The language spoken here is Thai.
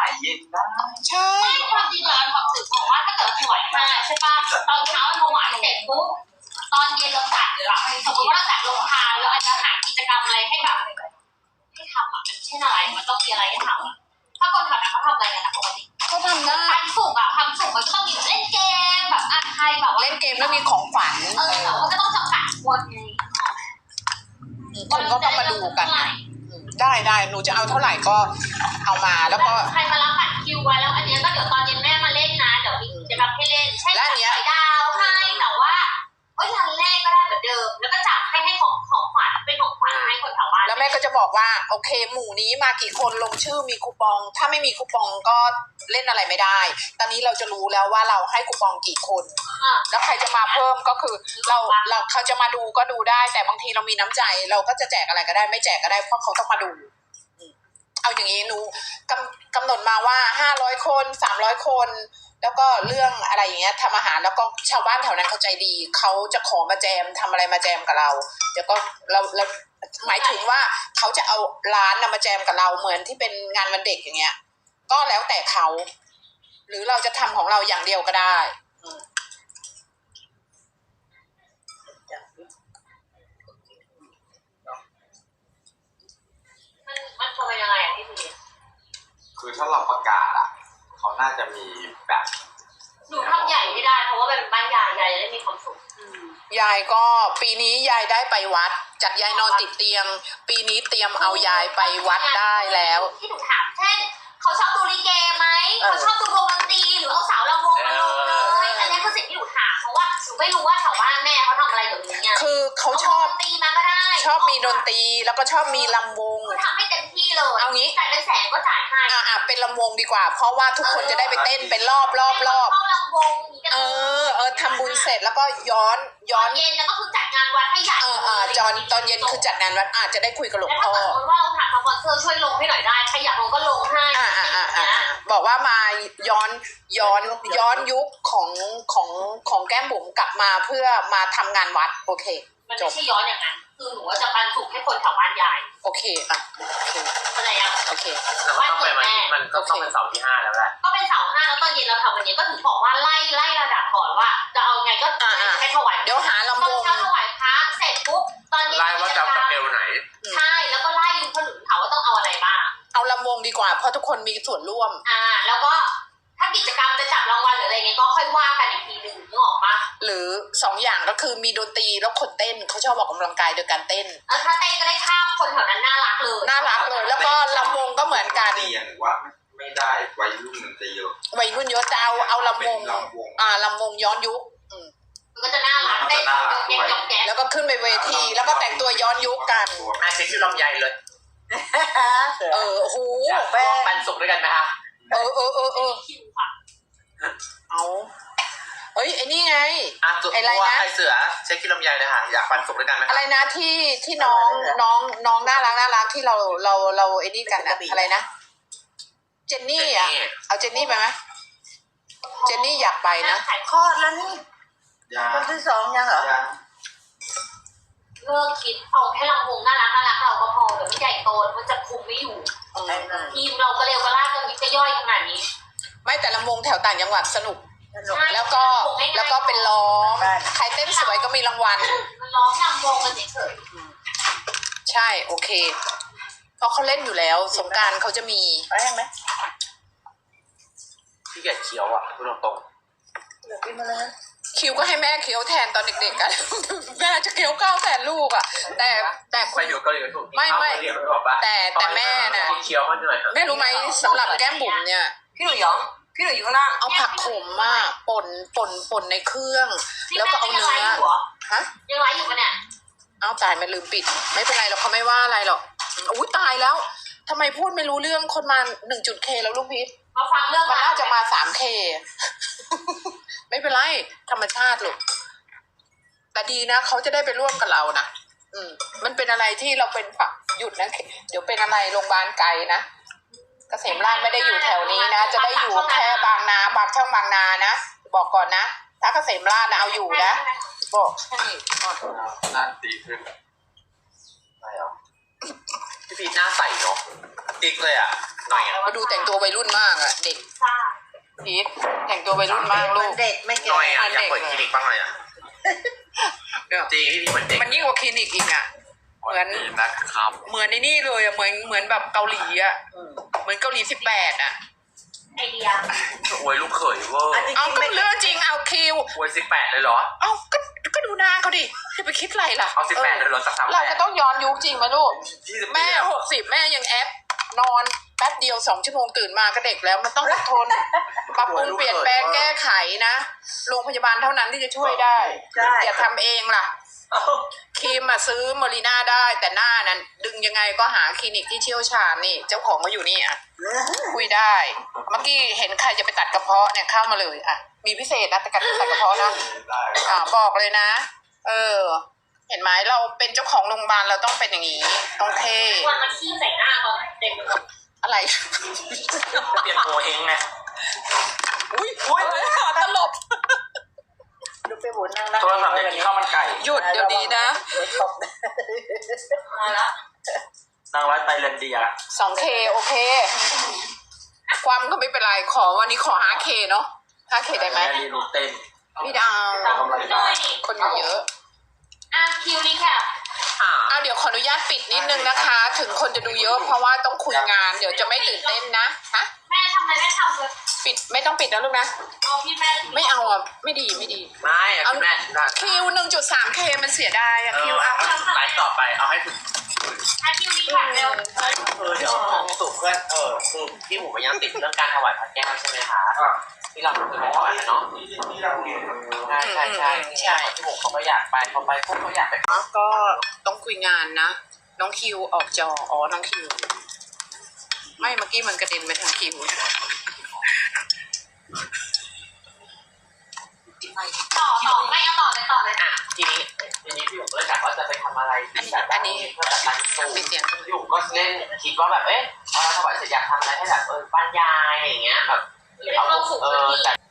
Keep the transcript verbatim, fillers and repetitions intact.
ายเย็นได้ใช่ความจริงแล้วเขาถือบอกว่าถ้าเกิดถวายห้าใช่ป่ะตอนเช้าถวายเสร็จปุ๊บตอนเย็นเราจัดหรือเราสมมติว่าเราจัดโรงทานเราอาจจะหากิจกรรมอะไรให้แบบให้ทำอ่ะมันเช่นอะไรมันต้องมีอะไรให้ทำถ้าคนแถวนั้นเขาทำอะไรกันนะปกติเขาทำได้ทำสุกอ่ะทำสุกมันก็ต้องมีเล่นเกมแบบอ่ะใครแบบเล่นเกมแล้วมีของฝันเออแต่ว่าก็ต้องจำกัดคนไงคนก็ต้องมาดูกันได้ได้หนูจะเอาเท่าไหร่ก็เอามาแล้วก็ใครมารับบัตรคิวไว้แล้วอันนี้ก็เดี๋ยวตอนเย็นแม่มาเล่นนะเดี๋ยวจะรับให้เล่นใช่ไหมดาวให้แต่ว่าเอ้ยรันแรกก็ได้เหมือนเดิมแล้วก็จับให้ให้ของของขวัญเป็นของขวัญให้คนแถวบ้านแล้วแม่ก็จะบอกว่าโอเคหมู่นี้มากี่คนลงชื่อมีคูปองถ้าไม่มีคูปองก็เล่นอะไรไม่ได้ตอนนี้เราจะรู้แล้วว่าเราให้คูปองกี่คนแล้วใครจะมาเพิ่มก็คือเราเราเขาจะมาดูก็ดูได้แต่บางทีเรามีน้ำใจเราก็จะแจกอะไรก็ได้ไม่แจกก็ได้เพราะเขาต้องมาดูเอาอย่างนี้หนูกำกำหนดมาว่าห้าร้อยคนสามร้อยคนแล้วก็เรื่องอะไรอย่างเงี้ยทำอาหารแล้วก็ชาวบ้านแถวนั้นเขาใจดีเขาจะขอมาแจมทำอะไรมาแจมกับเราเดี๋ยวก็เราเราหมายถึงว่าเขาจะเอาร้านมาแจมกับเราเหมือนที่เป็นงานวันเด็กอย่างเงี้ยก็แล้วแต่เขาหรือเราจะทำของเราอย่างเดียวก็ได้มันมันทำยังไงอ่ะพี่พีคือถ้าเราประกาศอ่ะเขาน่าจะมีแบบหนูทำใหญ่ไม่ได้เพราะว่าเป็นบ้านยายยายจะได้มีความสุขยายก็ปีนี้ยายได้ไปวัดจากยายนอนติดเตียงปีนี้เตรียมเอายายไปวัดได้แล้วที่หนูถามเช่นเขาชอบดูลิเกไหมเขาชอบดูวงดนตรีหรือเอาสาวลำวงมาลงเลยอันนี้คือสิ่งที่หนูถามเพราะว่าหนูไม่รู้ว่าแถวบ้านแม่เขาทำอะไรแบบนี้คือเขาชอบดนตรีมาก็ได้ชอบมีดนตรีแล้วก็ชอบมีลำวงคือทำให้เต็มที่เลยเอางี้จ่ายเป็นแสนก็จ่ายให้อ่าเป็นลำวงดีกว่าเพราะว่าทุกคนจะได้ไปเต้นเป็นรอบรอบรอบเออเออทำบุญเสร็จแล้วก็ย้อนย้อนเย็นแล้วก็คือจัดงานวัดให้ใหญ่เออเออจอนตอนเย็นคือจัดงานวัดอาจจะได้คุยกับหลวงพ่อแล้วถ้าสมมติว่าเราหาสปอนเซอร์ช่วยลงให้หน่อยได้ใครอยากลงก็ลงให้อ่าอ่าอ่าบอกว่ามาย้อนย้อนย้อนยุคของของของแก้มบุ๋มกลับมาเพื่อมาทำงานวัดโอเคมันไม่ใช่ย้อนอย่างนั้นคือหนูว่าจะปันสุขให้คนแถวบ้านยายโอเคอ่ะโอเคอะไรยังโอเคแล้วก็ต้องไปมันมันก็ต้องเป็นเสาร์ที่ห้าแล้วแหละก็เป็นเสาร์ห้าแล้วตอนเย็นเราทำวันนี้ก็ถึงบอกว่าไล่ไล่ระดับก่อนว่าจะเอาไงก็ให้ถวายเดี๋ยวหาลำวงตอนเช้าถวายพระเสร็จปุ๊บตอนเย็นไล่ว่าจะจะเอวไหนใช่แล้วก็ไล่คนอื่นถามว่าต้องเอาอะไรบ้างเอาลำวงดีกว่าเพราะทุกคนมีส่วนร่วมอ่าแล้วก็ถ้ากิจกรรมจะจับรางวัลหรืออะไรเงี้ยก็ค่อยว่ากันอีกทีหนึ่งนึกออกปะหรือสองอย่างก็คือมีดนตรีแล้วคนเต้นเขาชอบออกกำลังกายโดยการเต้นเออถ้าเต้นก็ได้ภาพคนแถวนั้นน่ารักเลยน่ารักเลยแล้วก็ลำวงก็เหมือนกันตีอย่างว่าไม่ได้วัยรุ่นมันจะเยอะวัยรุ่นเยอะจะเอาเอาลำวงอ่าลำวงย้อนยุคมันก็จะน่ารักเต้นยกยกแกแล้วก็ขึ้นไปเวทีแล้วก็แต่งตัวย้อนยุคกันอาเซ็กซี่ลำใหญ่เลยเออโอ้โหแป้งปันสุกด้วยกันไหมคะเออเออเออเออเอาเฮ้ยไอ้นี่ไงไอ้ไรนะไอเสือเช็คที่ลำไยเลยค่ะอยากปันสุกด้วยกันไหมอะไรนะที่ที่น้องน้องน้องน่ารักน่ารักที่เราเราเราไอ้นี่กันอะอะไรนะเจนนี่อ่ะเอาเจนนี่ไปไหมเจนนี่อยากไปนะคลอดแล้วนี่คนที่สองยังเหรอเลิกคิดเอาแค่ลำวงน่ารักน่ารักเราก็พอเดี๋ยวมันใหญ่โตมันจะคุมไม่อยู่ทีมเราก็เร็วก็ล่ากันมิจะย่อยขนาดนี้ไม่แต่ลำวงแถวต่างจังหวัดสนุกแล้วก็แล้วก็เป็นร้องใครเต้นสวยก็มีรางวัลมันร้องลำวงกันเฉยใช่โอเคเพราะเขาเล่นอยู่แล้วสงกรานต์เขาจะมีไปยังไหมพี่แกเคี้ยวอ่ะพูดตรงๆเดี๋ยวกินมาเลยคิวก็ให้แม่เคี้ยวแทนตอนเด็กๆกันแม่จะเคี้ยวก้าวแทนลูกอ่ะแต่แต่ไปอยู่เกาหลีถูกไม่ไม่แต่แต่แม่น่ะเคี้ยวมันหน่อยแม่รู้ไหมสำหรับแก้มบุ๋มเนี่ยพี่หนุ่ยหยองพี่หนุ่ยอยู่ข้างล่างเอาผักขมมากป่นป่นป่นในเครื่องแล้วก็เอาเนื้อฮะยังไรอยู่ปะเนี่ยเอาตายไม่ลืมปิดไม่เป็นไรหรอกเขาไม่ว่าอะไรหรอกอุ้ยตายแล้วทำไมพูดไม่รู้เรื่องคนมาหนึ่งจุดเคแล้วลูกพีทมาฟังเรื่องมันน่าจะมาสามเคไม่เป็นไรธรรมชาติลูกแต่ดีนะเขาจะได้ไปร่วมกับเรานะอืมมันเป็นอะไรที่เราเป็นฝักหยุดนะเดี๋ยวเป็นอะไรโรงพยาบาลไกลนะเกษมราชไม่ได้อยู่แถวนี้นะจะได้อยู่แค่บางนาบางช่องบางนานะบอกก่อนนะถ้าเกษมราชนะเอาอยู่นะบอกให้น่าตีขึ้นไม่หรอพีทหน้าใสเนาะติ๊กเลยอ่ะหน่อยอ่ะมาดูแต่งตัววัยรุ่นมากอะเด็กซ่าพีทแต่งตัววัยรุ่นมากลูมันกเด็กไม่หเก่น่อยงอ่ะอยากเปิดคลินิกบ้างเลยอ่ะจริงพี่พีทเหมือนเด็กมันยิ่งกว่าคลินิกอีกอะเหมือนนี่นะครับเหมือนในนี่เลยอะเหมือนเหมือนแบบเกาหลีอะเหมือนเกาหลีสิบแปดอะไอเดียโวยลูกเขยเวอร์อันนี้เอาก็ไม่เรื่องจริงเอาคิวโวยสิบแปดเลยเหรอเอาก็ก็ดูหน้าเขาดิจะไปคิดอะไรล่ะเอาสิบแปดเลยเหรอสักสามเราแปจะดต้องย้อนยุคจริงไหมลูกยี่สิบแม่หกสิบแม่ยังแอป นอนแป๊บเดียวสองชั่วโมงตื่นมาก็เด็กแล้วมันต้องอดทน ปรับปรุงเปลี่ยนแปลงแก้ไขนะโรงพยาบาลเท่านั้นที่จะช่วยได้ใช่อย่าทำเองล่ะครีมมาซื้อมอริน่าได้แต่หน้านั้นดึงยังไงก็หาคลินิกที่เชี่ยวชาญนี่ เจ้าของก็อยู่นี่อ่ะ คุยได้ เมื่อกี้เห็นใครจะไปตัดกระเพาะเนี่ยเข้ามาเลยอ่ะ มีพิเศษนะแต่กัดตัดกระเพาะนะได้อ่าบอกเลยนะ เออ เห็นไหมเราเป็นเจ้าของโรงพยาบาลเราต้องเป็นอย่างนี้ต้องเท่วันมาขี้ใส่หน้าตอนเด็กอะไรเปลี่ยนโมเองไงอุ้ยอุ้ยตลบดูไปบุญนั่งนั่งโทรศัพท์อยากกินข้าวมันไก่หยุดเดี๋ยวนี้นะเดี๋ยวตบนะมาแล้วนางร้อยไตแลนเดียสองเคโอเค ความก็ไม่เป็นไร ขอวันนี้ขอ ห้าเค เนาะ ห้าเค ได้ไหมรีรูเต้นไม่ได้ตามด้วยคนอยู่เยอะอ่ะคิวรีแคปอ่าเอาเดี๋ยวขออนุญาตปิดนิดนึงนะคะ ถึงคนจะดูเยอะเพราะว่าต้องคุยงาน เดี๋ยวจะไม่ตื่นเต้นนะ ฮะแม่ทำอะไรแม่ทำเลยปิดไม่ต้องปิดนะลูกนะเอาพี่แม่ไม่เอาอ่ะ ไม่ดีไม่ดีไม่อะคุณแม่ได้คิวหนึ่งจุดสามเคมันเสียดายอะเอคิอวอ่ะไลฟ์ต่อไปเอาให้ถึงอ่ะคิวรีแคปเร็วเออเดี๋ยวสุเพื่อนเออคือพี่หมูก็ยังติดเรื่องการถวายพระแก้วใช่ไหมคะที่เราเคยไปถวายกันเนาะที่เราเรียนใช่ใช่ใช่ใช่พี่หมูเขาก็อยากไปเขาไปพวกเขาอยากไปก็ต้องคุยงานนะ น้องคิวออกจอ อ๋อ น้องคิว ไม่เมื่อกี้มันกระเด็นไปทางคิวต่อต่อไม่เอาต่อเลยต่อเลยอ่ะทีนี้ทีนี้พี่หมูก็เลยถามว่าจะไปทำอะไรอันนี้แบบอันนี้เพื่อจัดการสูปิดเสียงพี่หมูก็เล่นคิดว่าแบบเอ๊ะพอเราถวายเสร็จอยากทำอะไรให้แบบเออบ้านยายอะไรอย่างเงี้ยแบบเออเอาเออแต่